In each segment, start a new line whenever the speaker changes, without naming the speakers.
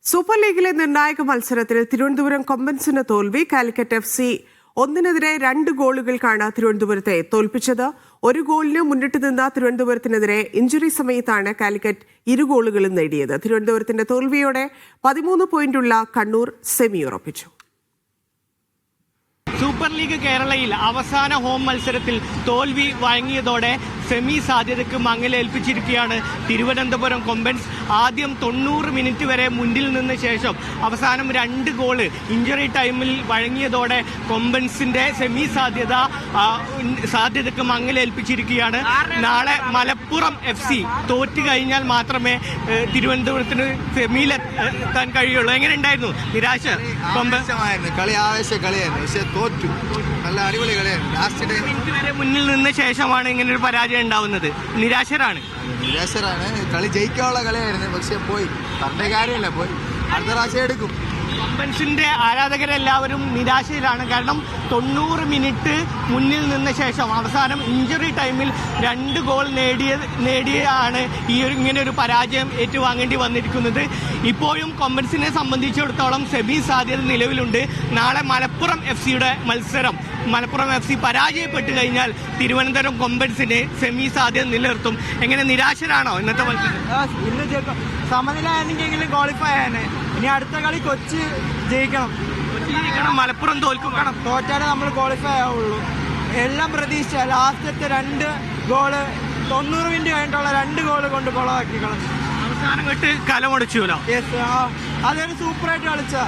Super ലീഗിലെ നിർണായക മത്സരത്തിൽ തിരുവനന്തപുരം കൊമ്പൻസിന് തോൽവി. കാലിക്കറ്റ് FC 1-നെതിരെ 2 ഗോളുകൾക്കാണ് തിരുവനന്തപുരത്തെ തോൽപ്പിച്ചത്. ഒരു ഗോളിന് മുന്നിട്ട് നിന്ന തിരുവനന്തപുരത്തിനെതിരെ ഇഞ്ചുറി സമയത്താണ് കാലിക്കറ്റ് 2 ഗോളുകളും നേടിയത്. തിരുവനന്തപുരത്തിന്റെ തോൽവിയോടെ 13 പോയിന്റുള്ള കണ്ണൂർ സെമി ഉറപ്പിച്ചു.
സൂപ്പർ ലീഗ് കേരളയിൽ അവസാന ഹോം മത്സരത്തിൽ തോൽവി വഴങ്ങിയതോടെ സെമി സാധ്യതയ്ക്ക് മങ്ങലേൽപ്പിച്ചിരിക്കുകയാണ് തിരുവനന്തപുരം കൊമ്പൻസ്. ആദ്യം 90 മിനിറ്റ് വരെ മുന്നിൽ നിന്ന ശേഷം അവസാനം 2 ഗോള് ഇഞ്ചുറി ടൈമിൽ വഴങ്ങിയതോടെ കൊമ്പൻസിന്റെ സെമി സാധ്യതയ്ക്ക് മങ്ങലേൽപ്പിച്ചിരിക്കുകയാണ്. നാളെ മലപ്പുറം FC തോറ്റു കഴിഞ്ഞാൽ മാത്രമേ തിരുവനന്തപുരത്തിന് സെമിയിൽ എത്താൻ കഴിയുള്ളൂ. എങ്ങനെ ഉണ്ടായിരുന്നു നിരാശ?
തോറ്റു, നല്ല അടിപൊളി കളിയായിരുന്നു. ലാസ്റ്റ്
മിനിറ്റ് വരെ മുന്നിൽ നിന്ന ശേഷമാണ് ഇങ്ങനെ ഒരു പരാജയം ഉണ്ടാവുന്നത്. നിരാശരാണ്.
കളി ജയിക്കാനുള്ള കളിയായിരുന്നു, പക്ഷെ പോയി പറഞ്ഞ കാര്യമില്ല, പോയി അടുത്ത പ്രാവശ്യം എടുക്കും.
കൊമ്പൻസിന്റെ ആരാധകരെല്ലാവരും നിരാശയിലാണ്. കാരണം 90 മിനിറ്റ് മുന്നിൽ നിന്ന ശേഷം അവസാനം ഇഞ്ചുറി ടൈമിൽ 2 ഗോൾ നേടിയാണ് ഇങ്ങനെ ഒരു പരാജയം ഏറ്റുവാങ്ങേണ്ടി വന്നിരിക്കുന്നത്. ഇപ്പോഴും കൊമ്പൻസിനെ സംബന്ധിച്ചിടത്തോളം സെമി സാധ്യത നിലവിലുണ്ട്. നാളെ മലപ്പുറം FCയുടെ മത്സരം. മലപ്പുറം FC പരാജയപ്പെട്ട് കഴിഞ്ഞാൽ തിരുവനന്തപുരം കൊമ്പൻസിന് സെമി സാധ്യത നിലനിർത്തും. എങ്ങനെ നിരാശരാണോ ഇന്നത്തെ മത്സരം?
ഇന്ന് സമനില ആയിരുന്നെങ്കിലും ക്വാളിഫൈ ആണ്. ഇനി അടുത്ത കളി കൊച്ചി ജയിക്കണം.
മലപ്പുറം തോൽക്കണം.
തോറ്റാലേ നമ്മൾ ക്വാളിഫൈ ആവുള്ളൂ. എല്ലാം പ്രതീക്ഷിച്ച ലാസ്റ്റത്തെ 2 ഗോള് 90 മിനിറ്റ് കഴിഞ്ഞിട്ടുള്ള 2 ഗോള് കൊണ്ട് കൊളമാക്കി കളഞ്ഞു.
അവസാനം കെട്ട് കലമടിച്ചുല്ലോ.
യെസ്, അതൊരു സൂപ്പറായിട്ട് കളിച്ച,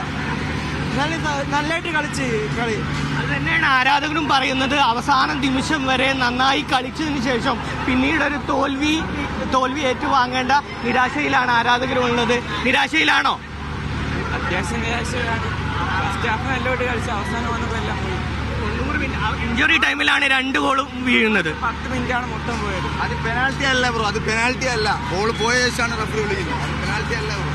നല്ലതായിട്ട് കളിച്ച് കളി.
അത് തന്നെയാണ് ആരാധകരും പറയുന്നത്. അവസാന നിമിഷം വരെ നന്നായി കളിച്ചതിന് ശേഷം പിന്നീട് ഒരു തോൽവി ഏറ്റുവാങ്ങേണ്ട നിരാശയിലാണ് ആരാധകരുള്ളത്. നിരാശയിലാണോ?
അത്യാവശ്യം നിരാശയിലാണ്. ഫസ്റ്റ് ഹാഫ് നല്ലോട്ട് കളിച്ച് അവസാനം വന്നപ്പോൾ എല്ലാം പോയി.
90 മിനിറ്റ് ഇഞ്ചുറി ടൈമിലാണ് 2 ഗോളും വീഴുന്നത്.
10 മിനിറ്റാണ് മൊത്തം പോയത്.
അത് പെനാൽറ്റി അല്ല ബ്രോ, അത് പെനാൽറ്റി അല്ല. ബോൾ പോയ ശേഷമാണ് റഫറി വിളിക്കുന്നത്. അത് പെനാൽറ്റി അല്ല ബ്രോ.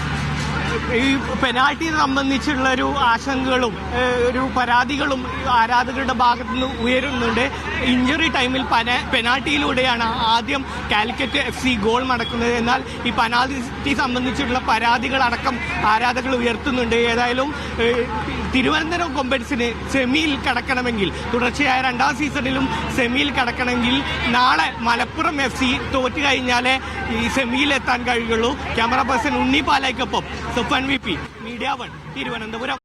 ഈ പെനാൽറ്റിയെ സംബന്ധിച്ചുള്ള ഒരു ആശങ്കകളും ഒരു പരാതികളും ആരാധകരുടെ ഭാഗത്തു നിന്ന് ഉയരുന്നുണ്ട്. ഇഞ്ചുറി ടൈമിൽ പെനാൽറ്റിയിലൂടെയാണ് ആദ്യം കാലിക്കറ്റ് FC ഗോൾ മടക്കുന്നത്. എന്നാൽ ഈ പെനാൽറ്റി സംബന്ധിച്ചിട്ടുള്ള പരാതികളടക്കം ആരാധകർ ഉയർത്തുന്നുണ്ട്. ഏതായാലും തിരുവനന്തപുരം കൊമ്പൻസിന് സെമിയിൽ കടക്കണമെങ്കിൽ, തുടർച്ചയായ 2ാം സീസണിലും സെമിയിൽ കടക്കണമെങ്കിൽ നാളെ മലപ്പുറം FC തോറ്റു കഴിഞ്ഞാലേ ഈ സെമിയിൽ എത്താൻ കഴിയുള്ളൂ. ക്യാമറ പേഴ്സൺ ഉണ്ണി പാലായ്ക്കൊപ്പം സുഫാൻ VP, മീഡിയ 1, തിരുവനന്തപുരം.